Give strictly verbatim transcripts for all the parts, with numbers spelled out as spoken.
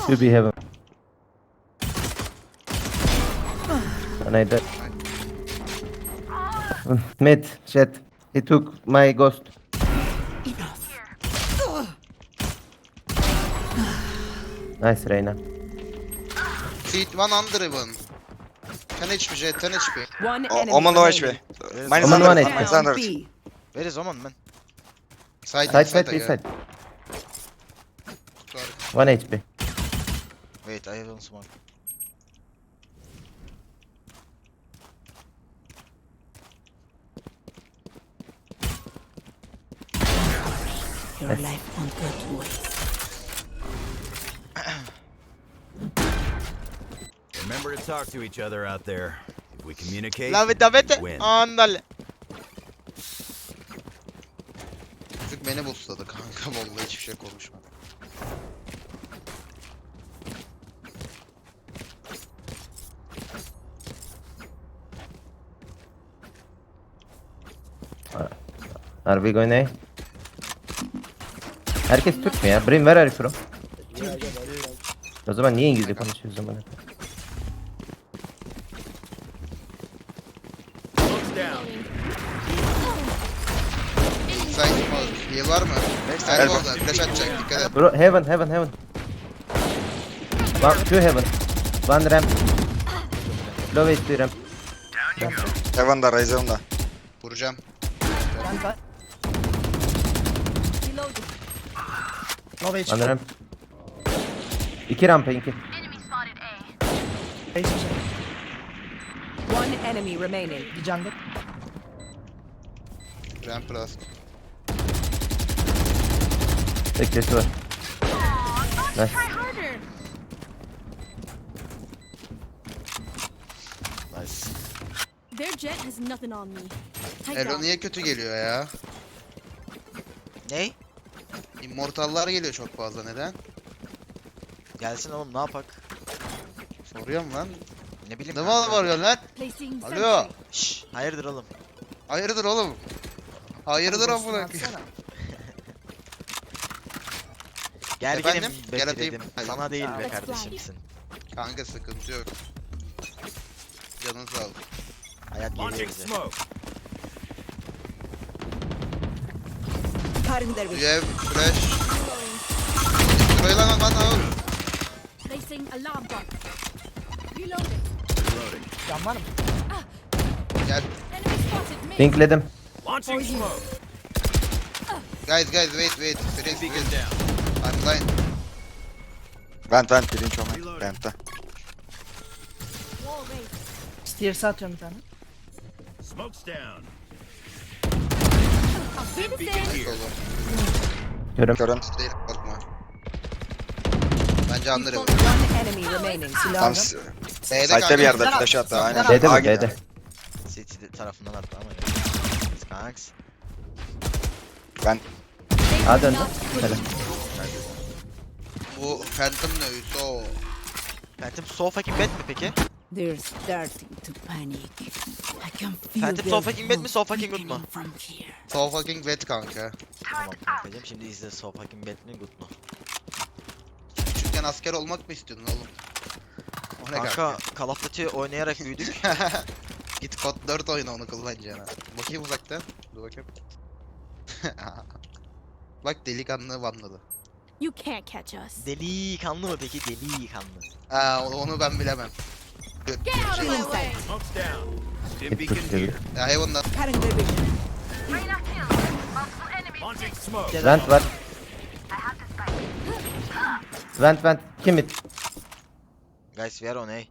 Should be heaven. And I died. Mid, jet. He took my ghost. Nice Reyna. Seat one under even. ten H P Jet, ten H P. One O- enemy Oman low H P. remaining. Minus Oman one one hundred. H P. Minus one Down hundred. B. Where is Oman man? Side, Side, side, B again. side. Sorry. One H P. Wait, I don't smoke. Your life won't go to waste. Remember to talk to each other out there. If we communicate, Lave davete. win. Andale. Çocuk beni boostladı kanka vallahi hiçbir şey konuşma. Are we going A? Herkes Türk mü ya? Brim, where are you from? O zaman niye İngilizce konuşuyoruz o zaman? Side smoke. Heal var mı? Elbow'da flash atacak dikkat et. Bro, heaven, heaven, heaven. One, two heaven. One ramp. Low H P ramp. Heaven'da, Raze Heaven'da. Vuracağım. One ramp. İki rampa, iki. One enemy remaining. Ramp plus. Beklesi var. Nice. Nice. Their jet has nothing on me. Take Elo that. niye kötü geliyor ya? Ney? Immortallar geliyor çok fazla neden? Gelsin oğlum ne yapak? Soruyorum lan. Ne bileyim. Ne kanka. mal var lan? Placing Alo. sentry. Şşş, hayırdır oğlum? Hayırdır oğlum? Hayırdır amına koyayım. Gel Efendim? gelin Gel atayım. bekledim. Hadi. Sana değil be Let's kardeşimsin. Kanka sıkıntı yok. Canın sağ ol. Hayat geliyor Launching bize. smoke. Cutting their You vision. have flash. Şurayı lan lan lan. Placing alarm bot. Reloading. Gel. Enemy spotted me. Pinkledim. Launching smoke. Guys guys wait wait. Freeze Beacon freeze. down. I'm blind. Vent vent birinci Oman. Vent'te. Wall raised. Stairs'e atıyorum bir tane. Smoke's down. I'll be the Beacon same. here. Solu. Körüm. Körüm. Değil korkma. Bence anlarım. One enemy remaining. Tam Silahını. s- B'de site'de bir yerde kanka. flash attı. Aynen. B'de A mi? gidiyor. B'de. City tarafından attı ama. Kanks. Ben A döndü. Helal. Bu Phantom ne üyüsü o. Phantom so fucking bad mi peki? They're starting to panic. I can feel Phantom their so fucking bad mi so fucking good mu? weakening from here. So fucking wet kanka. Tamam kankacım şimdi izle so fucking bad mi good mu? Küçükken asker olmak mı istiyordun oğlum? O ne Kanka kanka? Call of Duty oynayarak büyüdük. Git kod dört oyna onu kullanacağına. Bakayım uzaktan. Dur bakayım. Bak delikanlı vanladı. You can't catch us. Delikanlı mı peki? Delikanlı. Aa onu ben bilemem. Get out of my way. Smoke's down. Stim Hit beacon push dedi. here. Ya Heaven'da. Cutting their vision. Launching smoke. Vent var. Vent vent. Kim it? Guys we are on A.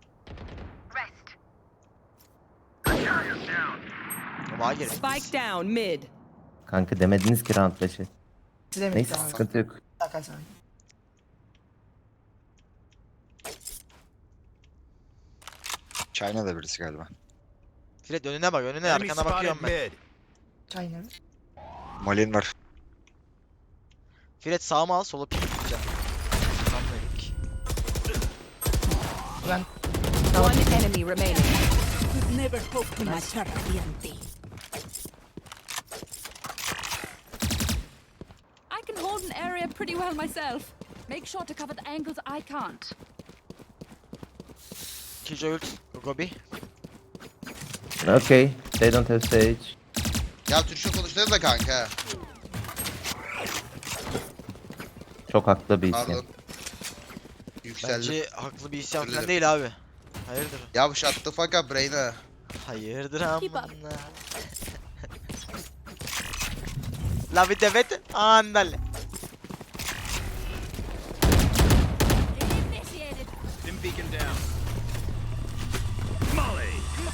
Ama hayır. Spike down mid. Kanka demediniz ki round beşi. Size mi? Neyse Tamam. sıkıntı yok. Hakan sana. China'da birisi galiba. Fred önüne bak önüne Enemy arkana bakıyorum spotted ben. mid. China. Molin var. Fred sağıma al sola pik gideceğim. Tam dedik. Ben One enemy remaining. You've never hoped to my T. I can hold an area pretty well myself. Make sure to cover the angles I can't. Killjoy ult. Gobi. Okay. They don't have stage. Ya Türkçe konuşuyoruz da kanka. Çok haklı bir isyan. Pardon. Yükseldim. Bence haklı bir isyan Özür falan dilerim. değil abi. Hayırdır? Ya shut the fuck up brain'e. Hayırdır Keep up. amına. La bir devet. Andale. Initiated. Stim beacon down. Molly.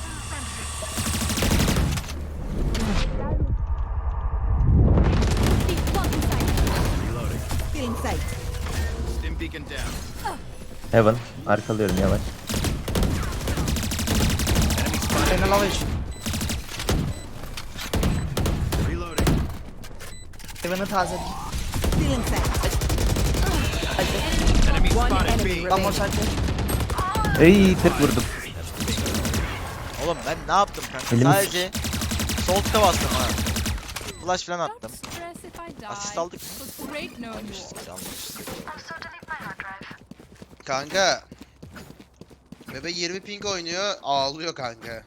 Deep one inside. Reloading. Feeling safe. Stim beacon down. Heaven. Arkalıyorum yavaş. Enemy spotted. Reyna lava iş. Reloading. Heaven'ı tazeledim. Feeling safe. Enemy One spotted enemy B. One more remaining. side. Ey tık vurdum. Oğlum ben ne yaptım kanka? Elimi Sadece sol tıka bastım ha. Flash falan attım. Don't stress if I die. Asist aldık. It was great knowing you. Almıştık almıştık. Kanka. Bebe yirmi ping oynuyor, ağlıyor kanka.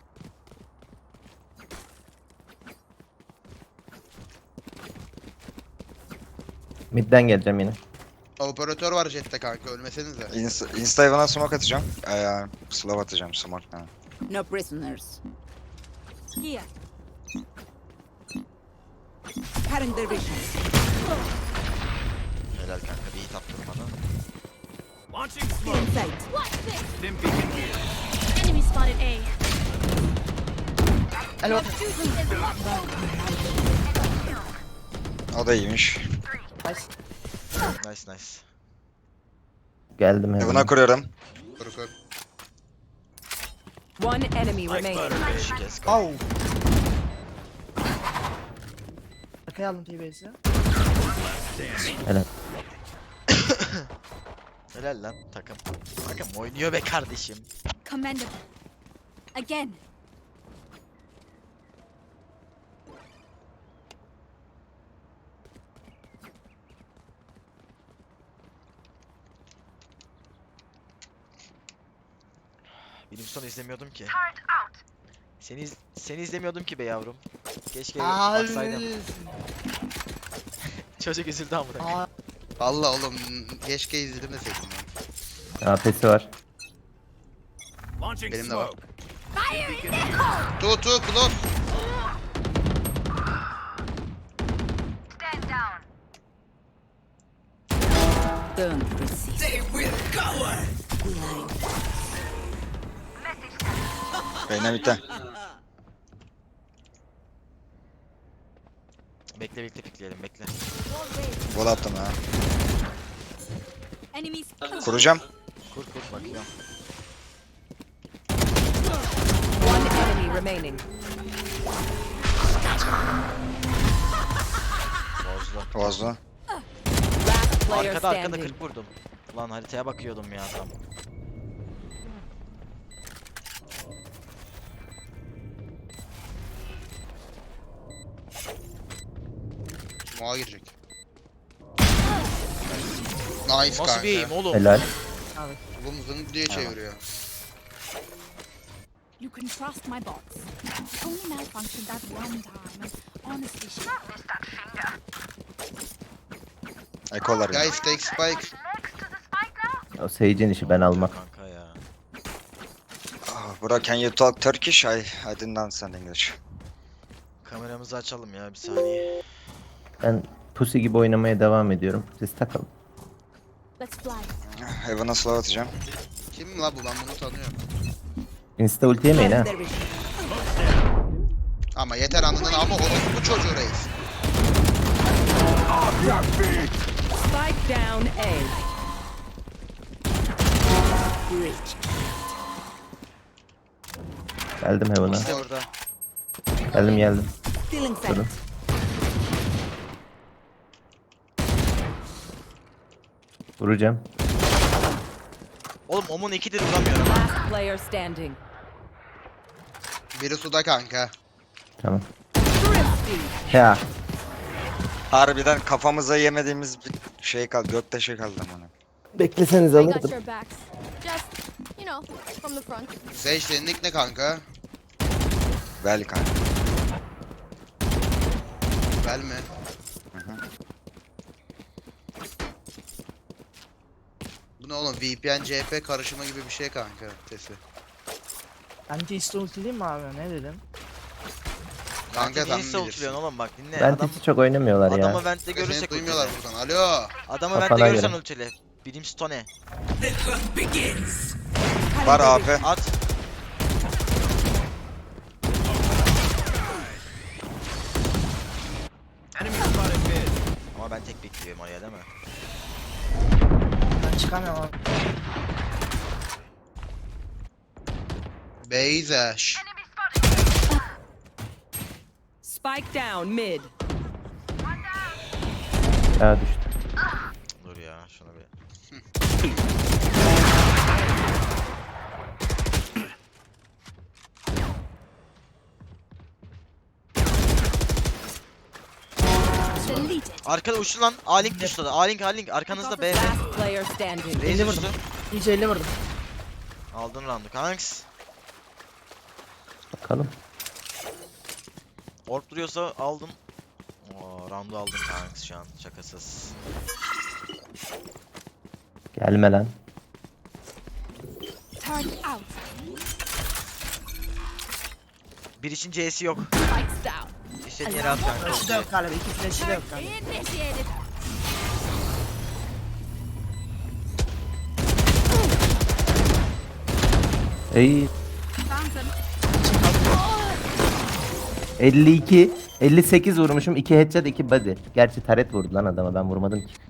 Midden geleceğim yine. Operatör var jette kanka, ölmesenize. Insta, Insta Evan'a smoke atacağım. Ee, slow atacağım smoke. Ha. No prisoners. Here. Cutting their vision. Helal kanka bir hit attın bana. Launching smoke. Feeling safe. What's this? Stim beacon here. Enemy spotted A. El Your bak. duty is not over. O da iyiymiş. Nice. Nice nice. Geldim Evan'a Heaven'a. kuruyorum. Kur kur. One enemy Like remaining. butter. Beş kez. Au. Arkaya aldım T-Base'i. Helal. Helal lan takım. Takım oynuyor be kardeşim. Commendable. Again. Benim son izlemiyordum ki. Seni iz- seni izlemiyordum ki be yavrum. Keşke Aa, baksaydım. Çocuk üzüldü amına. Aa, Valla oğlum keşke izlemeseydim ya. A P'si var. Launching Benim de var. smoke. Tu tu close. Don't receive. They will go. Behind. Reyna bitti. Bekle bekle bekleyelim bekle. Gol attım ha. Enemies. Kuracağım. Kur kur bakıyorum. One enemy remaining. Bozdu. Bozdu. Last player Arkada arkada standing. kırk vurdum. Ulan haritaya bakıyordum ya tam. Smoke'a girecek. Nice Nasıl kanka. bir eğim oğlum? Helal. Oğlum zın diye çeviriyor. You can trust my bots. It only malfunctioned that one time. And honestly, she Ekolar ya. Guys take spike. O Sage'in işi ben almak. Kanka ya. Oh, bro, can you talk Turkish? I, I didn't understand English. Kameramızı açalım ya bir saniye. Ben pussy gibi oynamaya devam ediyorum. Siz takılın. let's fly. Evan'a slow atacağım. Kim la bu, ben bunu tanıyorum. Insta ulti yemeyin ha. Their vision. Ama yeter anladın ama orası bu çocuğu reis. Spike down A. Reach. Geldim Heaven'a. İşte orada. Geldim geldim. Feeling safe. Durun. Vuracağım. Oğlum Omun ikidir vuramıyorum. Last player standing. Biri suda kanka. Tamam. Thrifty. Ya. Harbiden kafamıza yemediğimiz bir şey kaldı. Göktaşı kaldı bana. Bekleseniz I got alırdım. your backs. Just, you know, from the front. Sage senin nick ne kanka? Vel kanka. Bel mi? Bu ne oğlum? V P N C P karışımı gibi bir şey kanka sesi. Anti iste ultileyim mi abi? Ne dedim? Kanka Niye sen savuntuyorsun bilirsin. oğlum bak dinle. Ben Adam, hiç çok oynamıyorlar ya. adamı vent'te Seni görürsek duymuyorlar ultile. buradan. Alo. Adamı Kafana vent'te görürsen göre. ultile. Brimstone. Var A P. At. Ama ben tek bekliyorum oraya değil mi? Ben çıkamıyorum abi. Beyzeş. Spike down mid. Ya düştü. Dur ya şunu bir. Deleted. Arkada uçtu lan. A-Link düştü. A-Link A-Link arkanızda B B. Last player standing. Raze vurdum. düştü. İyice elli vurdum. Aldın roundu kanks. Bakalım. Orp duruyorsa aldım. Oo, roundu aldım kanks şu an şakasız. Gelme lan. Turret out. Bir için C'si yok. Spikes down. İstediğin yere at kanka. Flash'ı da yok galiba. İki flash'ı da yok galiba. Initiated. Ey Found them. elli iki elli sekiz vurmuşum. iki headshot iki body. Gerçi taret vurdu lan adama, ben vurmadım ki.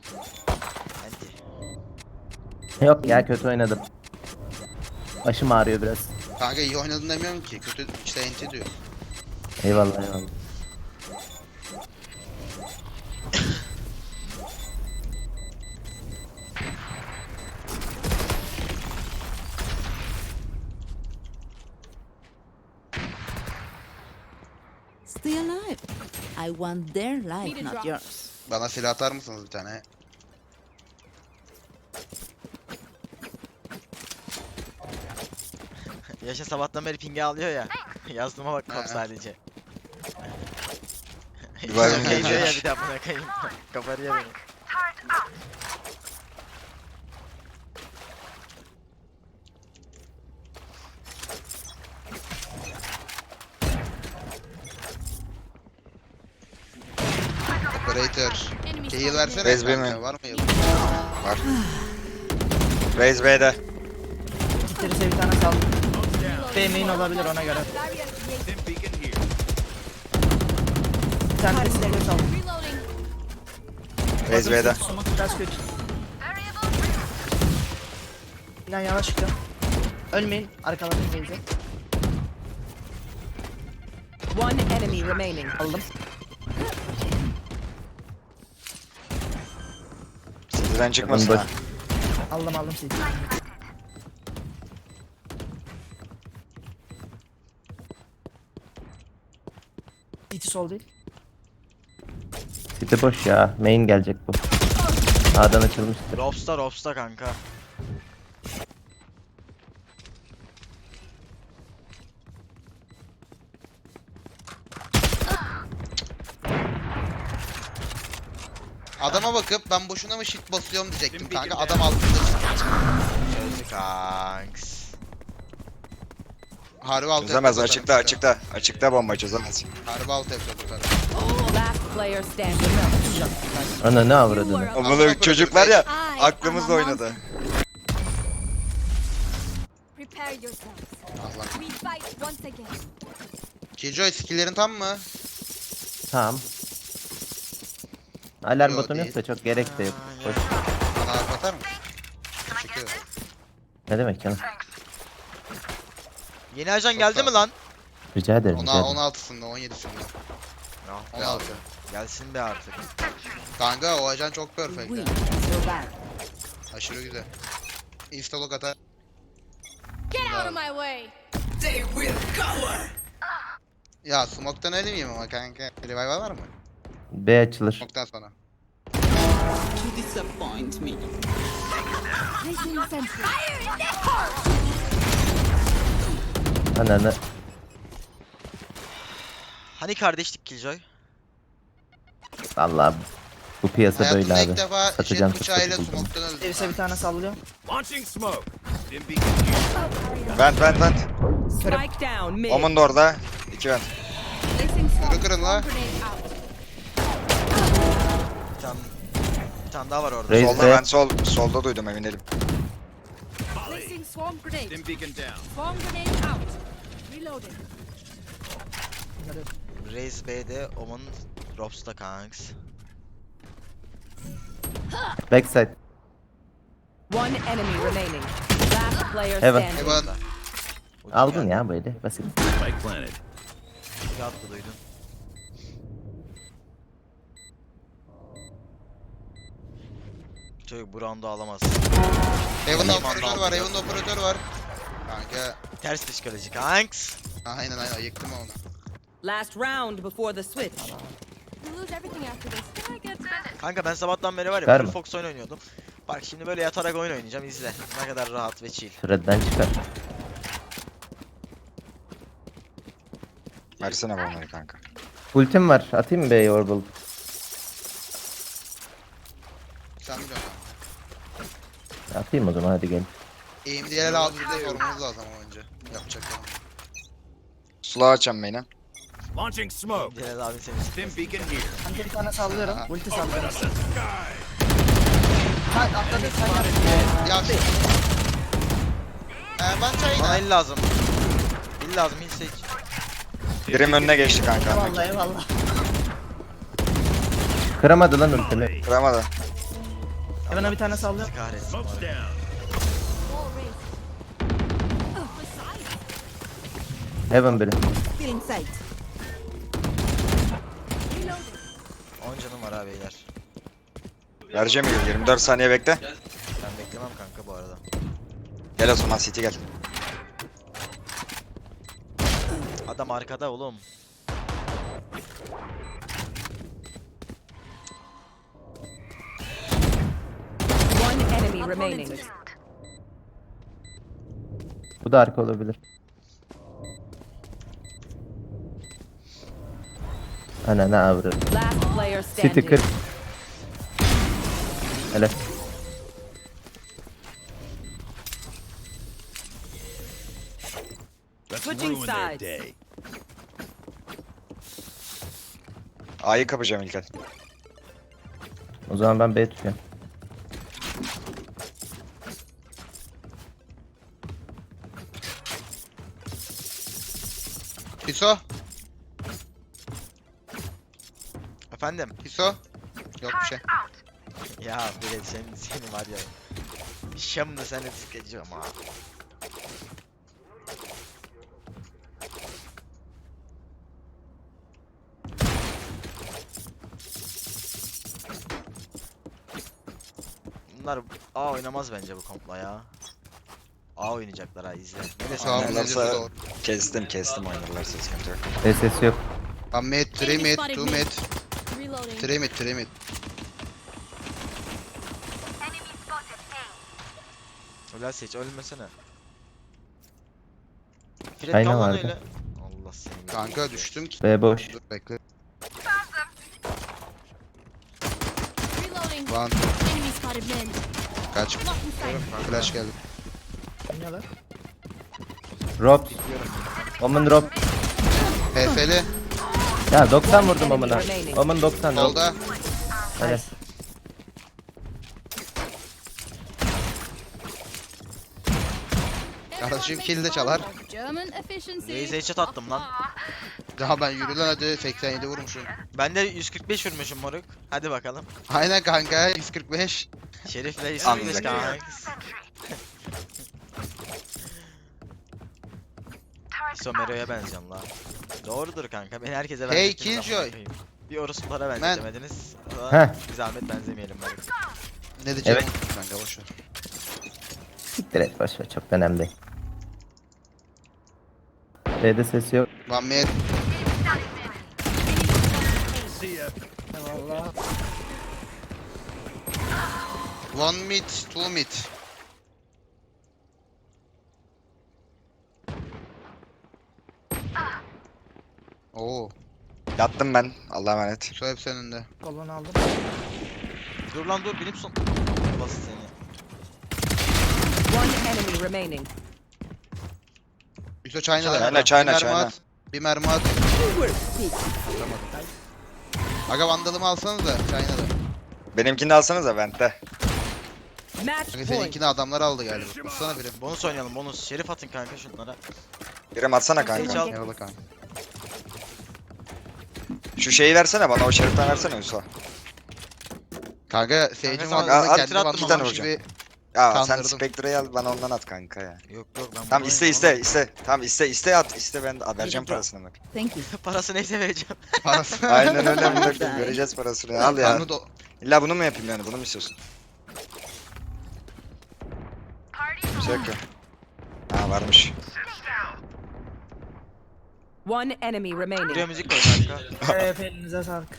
Anti. Yok ya, kötü oynadım. Başım ağrıyor biraz. Kanka iyi oynadın demiyorum ki. Kötü işte enti diyor. Eyvallah eyvallah. Stay alive. I want their life, Need a not drop. yours. Bana silah atar mısınız bir tane? Yaşa sabahtan beri pinge alıyor ya. Yazdığıma bak kop Ha. sadece. Vay Pinge be. diyor ya bir daha buna kayayım. Kaparıyor beni. Operator. Enemy Heal spotted. versene Bez kanka. mi? Var mı heal? Var. Raze B'de. Gittirirse bir tane saldım. B main olabilir ona göre. Stim beacon here. Bir tane de silahı saldım. Reloading. Raze B'de. Smoke biraz kötü. İnan yavaş çıkıyor. Ölmeyin. Arkalarını gelince. One enemy remaining. Aldım. City'den çıkmasın boş. ha. Aldım aldım sizi. City sol değil. City boş ya. Main gelecek bu. A'dan açılmıştır. Robsta Robsta kanka. Adama bakıp ben boşuna mı shit basıyorum diyecektim kanka. Adam altında. Çözdü kanks. Harbi alt Çözemez yapıyor açıkta zaten. açıkta. Açıkta bomba çözemez. Harbi alt yapıyor bu kadar. Last player standing. Ana ne avradını. O bunu çocuk var ya I aklımızla am a oynadı. Prepare yourselves. Allah. We fight once again. Killjoy skill'lerin tam mı? Tamam. Alarm Yok, botonu değil. yoksa çok gerek de yok. Boş. Bana harf atar mısın? Teşekkür ederim. Ne demek canım? Yeni ajan Çok geldi sağ mi ol. lan? Rica ederim. rica Ona ederim. on altısında on yedisinde. Ah be on altı. abi. Gelsin be artık. Kanka o ajan çok perfect. We ya. so bad. Aşırı güzel. Instalog atar. Get out of my way. Ya smoke'tan ölmeyeyim ama kanka. Revival var mı? B açılır. Smoke'tan sonra. You disappoint me. Placing sentry. Ananı. Hani kardeşlik Killjoy? Vallahi bu piyasa böyle Hayatımda abi. ilk defa Satacağım jet bıçağıyla fırsatı buldum. smoke'tan öldüm. Servis'e bir tane sallıyor. Launching smoke. Dim beacon here. Vent vent vent. Spike down mid. Omun da orada. İki vent. Placing swarm, Yürü kırın la. swarm grenade out. Bir tane, bir tane daha var orada. Reis Solda de ben sol solda duydum emin değilim. Placing swarm grenade. Dim beacon down. Swarm grenade out. Reloading. Raze B'de, Omen Robs'ta kanks. backside. One enemy remaining. Last player Heaven. standing. Evan. Ucum Aldın geldi. ya böyle basit. Spike planted. Bir attı duydun. Çocuk bu round'u alamaz. Evan'da Tamam, operatör tamam. var. Evan'da operatör var. Kanka. Ters psikoloji kanks. Aynen aynen yıktım onu. Last round before the switch. We lose everything after this. Can I get Kanka ben sabahtan beri var ya Ver full mi? Fox oyun oynuyordum. Bak şimdi böyle yatarak oyun oynayacağım izle. Ne kadar rahat ve chill. Thread'den çıkar. Versene bombayı kanka. Ultim var. Atayım mı B'ye Orbital? Sen biliyorsun. Atayım o zaman hadi gel. Eğim diye lazım bir de sormamız lazım ama önce. Yapacak yani. Sula açacağım beni. Launching smoke. Celal abi seni Dim beacon here. Kanka bir tane sallıyorum. Ulti sallıyorum. Ha atladı sen yap. Ya şu... Ee, ben Bana çayına. el lazım. El lazım hiç seç. Birim önüne geçti kanka. Eyvallah eyvallah. Kıramadı lan ultimi. Kıramadı. Heaven'a bir tane sallıyorum. Bizi kahretsin. Smoke's bari. down. Heaven biri. Feeling sight. on canım var ha beyler. Vereceğim yürü. yirmi dört saniye bekle. Ben beklemem kanka bu arada. Gel o zaman City gel. Adam arkada oğlum. One enemy remaining. Bu da arka olabilir. Ananı avradı. Last player City standing. kırk. Hele. Let's Switching ruin their sides. day. A'yı kapacağım İlker. O zaman ben B tutuyorum. Hiso. Efendim? Hiso. Yok bir şey. Ya böyle senin seni var ya. Şam'da seni sikeceğim ha. Bunlar A oynamaz bence bu kompla ya. A oynayacaklar ha izle. Ne desem Sağ ol. ben- ne diyorsa doğru. Kestim kestim oynarlarsa sıkıntı yok. B sesi yok. One mid, three mid, two mid, reloading? three mid, three mid. Ulan seç ölmesene. Fred Aynen kal lan vardı. öyle. Allah seni. Kanka düştüm ki. B boş. Dur bekle. Reloading. Lan Enemy spotted mid. kaç. Lock inside. Flash geldi. Oynuyorlar. Rob. Omen Rob. P F'li. Ya doksan vurdum Omen'a. Omen doksan. Rob. Solda. Hele. Kardeşim kill de çalar. German efficiency. Raze'e headshot attım lan. Daha ben yürü lan hadi seksen yedi vurmuşum. Ben de yüz kırk beş vurmuşum moruk. Hadi bakalım. Aynen kanka yüz kırk beş. Şerif'le yüz kırk beş Anladık. kanka. Somero'ya benziyorum la. Doğrudur kanka. Beni herkese Hey, benzettiniz Killjoy. ama bakayım. Bir orospulara benzetemediniz. Heh. Ama bir zahmet benzemeyelim bari. Ne diyeceğim? Evet. Kanka boşver. Siktir et boş ver çok önemli değil. B'de ses yok. One mid. See ya. Eyvallah. One mid, two mid. Oo. Yattım ben. Allah'a emanet. Şu hep senin de. Kolunu aldım. Dur lan dur Brimstone. Basit seni. One enemy remaining. Yusuf China'da. China, China, bir mermi China. at. Bir mermi at. Atamadım. Aga vandalımı alsanız da China'da. Benimkini de alsanıza Vent'te. Match Aga point. seninkini adamlar aldı galiba. Baksana birim. Bonus oynayalım bonus. Şerif atın kanka şunlara. Birim atsana Hiç kanka. al. Eyvallah kanka. Şu şeyi versene bana, o şeriften versene Yusuf. Kanka Sage'in sana vandalını at, kendi at, attım iki tane vandalmış vuracağım. gibi. Ya sen Kandırdım. Spectre'yi al, bana ondan at kanka ya. Yok yok ben Tamam bunu iste oynayacağım iste iste. Tamam iste iste at. İste ben de vereceğim parasını bak. Thank you. oğlum. Parası neyse vereceğim. Parası. Aynen öyle bir dakika göreceğiz parasını. Al ya. Onu da- İlla bunu mu yapayım yani? Bunu mu istiyorsun? Bir şey yok ki. Ha varmış. One enemy Buraya remaining. müzik koy kanka. Evet elinize sağlık.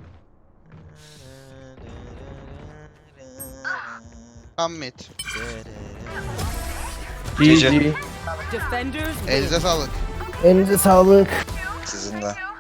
Tam mid. G G. Defenders win. Elinize sağlık. Elinize sağlık. Sizin de.